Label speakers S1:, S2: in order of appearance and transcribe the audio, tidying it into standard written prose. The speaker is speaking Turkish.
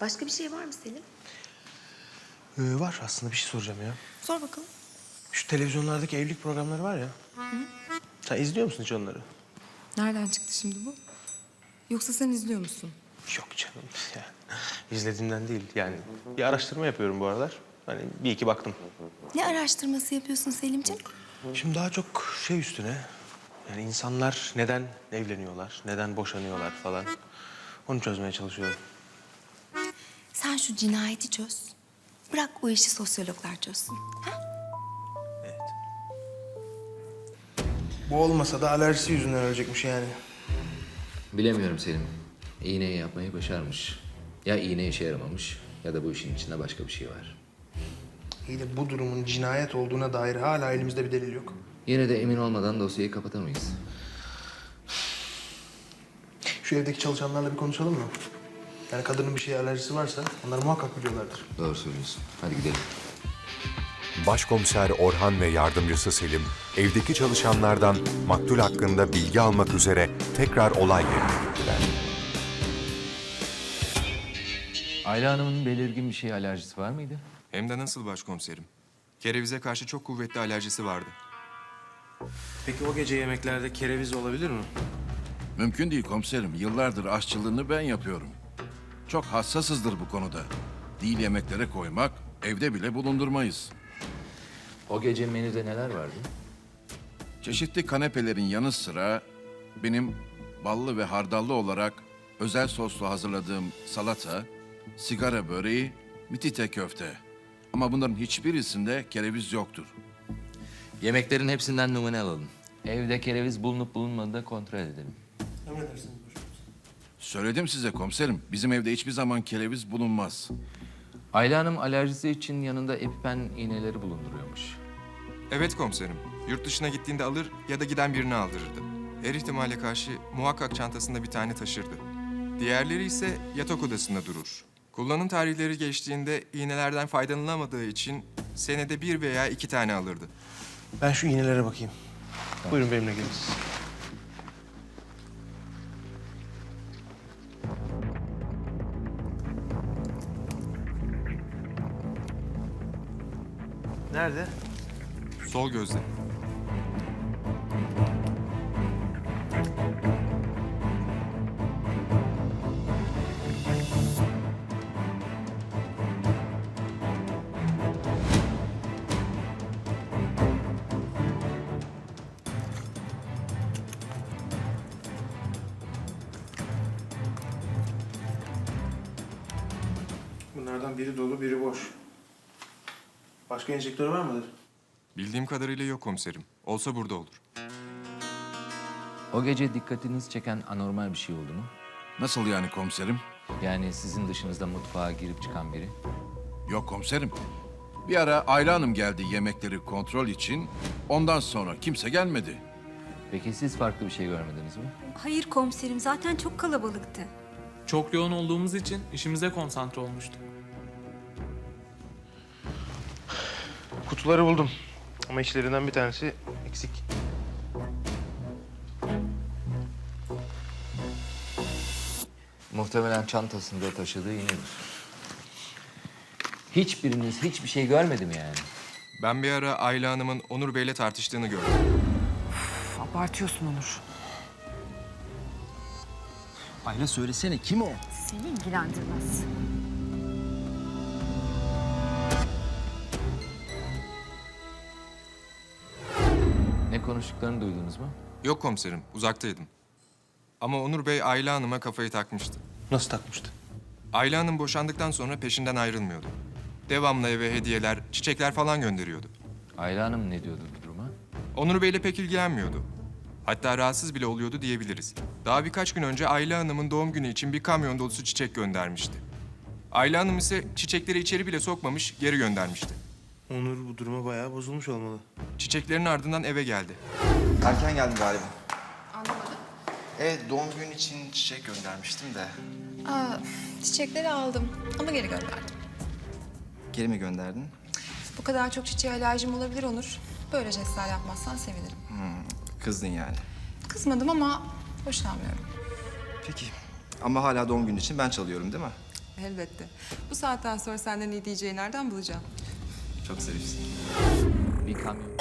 S1: Başka bir şey var mı Selim?
S2: Var aslında bir şey soracağım ya.
S1: Sor bakalım.
S2: Şu televizyonlardaki evlilik programları var ya. Sen izliyor musun hiç onları?
S1: Nereden çıktı şimdi bu? Yoksa sen izliyor musun?
S2: Yok canım ya. İzlediğimden değil yani. Bir araştırma yapıyorum bu aralar. Hani bir iki baktım.
S1: Ne araştırması yapıyorsun Selimciğim?
S2: Şimdi daha çok şey üstüne. Yani insanlar neden evleniyorlar, neden boşanıyorlar falan. Onu çözmeye çalışıyorum.
S1: Sen şu cinayeti çöz. Bırak o işi sosyologlar çözsün. Ha?
S2: Evet. Bu olmasa da alerjisi yüzünden ölecekmiş yani.
S3: Bilemiyorum Selim. İğneyi yapmayı başarmış. Ya iğne işe yaramamış ya da bu işin içinde başka bir şey var.
S2: İyi de bu durumun cinayet olduğuna dair hala elimizde bir delil yok.
S3: Yine de emin olmadan dosyayı kapatamayız.
S2: Şu evdeki çalışanlarla bir konuşalım mı? Yani kadının bir şeye alerjisi varsa onlar muhakkak biliyorlardır.
S3: Doğru söylüyorsun. Hadi gidelim.
S4: Başkomiser Orhan ve yardımcısı Selim, evdeki çalışanlardan maktul hakkında bilgi almak üzere tekrar olay yerine gittiler.
S3: Ayla Hanım'ın belirgin bir şeye alerjisi var mıydı?
S5: Hem de nasıl başkomiserim? Kerevize karşı çok kuvvetli alerjisi vardı.
S2: Peki o gece yemeklerde kereviz olabilir mi?
S6: Mümkün değil komiserim. Yıllardır aşçılığını ben yapıyorum. Çok hassasızdır bu konuda. Değil yemeklere koymak, evde bile bulundurmayız.
S3: O gece menüde neler vardı?
S6: Çeşitli kanepelerin yanı sıra benim ballı ve hardallı olarak özel soslu hazırladığım salata, sigara böreği, mitite köfte. Ama bunların hiçbirisinde kereviz yoktur.
S3: Yemeklerin hepsinden numune alalım. Evde kereviz bulunup bulunmadığını da kontrol edelim.
S2: Emredersiniz başkomiserim.
S6: Söyledim size komiserim, bizim evde hiçbir zaman kereviz bulunmaz.
S3: Ayla Hanım alerjisi için yanında EpiPen iğneleri bulunduruyormuş.
S5: Evet komiserim. Yurt dışına gittiğinde alır ya da giden birini aldırırdı. Her ihtimale karşı muhakkak çantasında bir tane taşırdı. Diğerleri ise yatak odasında durur. Kullanım tarihleri geçtiğinde iğnelerden faydalanamadığı için senede 1 veya 2 tane alırdı.
S2: Ben şu iğnelere bakayım. Buyurun benimle gelin siz. Nerede?
S5: Sol gözde.
S2: Bunlardan biri dolu, biri boş. Başka enjektör var mıdır?
S5: Bildiğim kadarıyla yok komiserim. Olsa burada olur.
S3: O gece dikkatinizi çeken anormal bir şey oldu mu?
S6: Nasıl yani komiserim?
S3: Yani sizin dışınızda mutfağa girip çıkan biri.
S6: Yok komiserim. Bir ara Ayla Hanım geldi yemekleri kontrol için. Ondan sonra kimse gelmedi.
S3: Peki siz farklı bir şey görmediniz mi?
S7: Hayır komiserim, zaten çok kalabalıktı.
S8: Çok yoğun olduğumuz için işimize konsantre olmuştuk.
S2: Kutuları buldum. Ama içlerinden bir tanesi eksik.
S3: Muhtemelen çantasında taşıdığı iğnedir. Hiçbiriniz hiçbir şey görmedi mi yani?
S5: Ben bir ara Ayla Hanım'ın Onur Bey'le tartıştığını gördüm.
S9: Abartıyorsun Onur.
S10: Ayla söylesene kim o?
S7: Seni ilgilendirmez.
S3: Ne konuştuklarını duydunuz mu?
S5: Yok komiserim, uzaktaydım. Ama Onur Bey Ayla Hanım'a kafayı takmıştı.
S2: Nasıl takmıştı?
S5: Ayla Hanım boşandıktan sonra peşinden ayrılmıyordu. Devamlı eve hediyeler, çiçekler falan gönderiyordu.
S3: Ayla Hanım ne diyordu bu duruma?
S5: Onur Bey'le pek ilgilenmiyordu. Hatta rahatsız bile oluyordu diyebiliriz. Daha birkaç gün önce Ayla Hanım'ın doğum günü için bir kamyon dolusu çiçek göndermişti. Ayla Hanım ise çiçekleri içeri bile sokmamış, geri göndermişti.
S2: Onur bu duruma bayağı bozulmuş olmalı.
S5: Çiçeklerin ardından eve geldi.
S11: Erken geldin galiba. Anlamadım. Evet, doğum günü için çiçek göndermiştim de.
S12: Çiçekleri aldım ama geri gönderdim.
S11: Geri mi gönderdin?
S12: Bu kadar çok çiçeğe alerjim olabilir Onur. Böyle jestler yapmazsan sevinirim.
S11: Kızdın yani.
S12: Kızmadım ama hoşlanmıyorum.
S11: Peki. Ama hala doğum günü için ben çalıyorum değil mi?
S12: Elbette. Bu saatten sonra senden iyi diyeceği nereden bulacağım?
S11: Çok zarifsin.
S3: Bir kamyon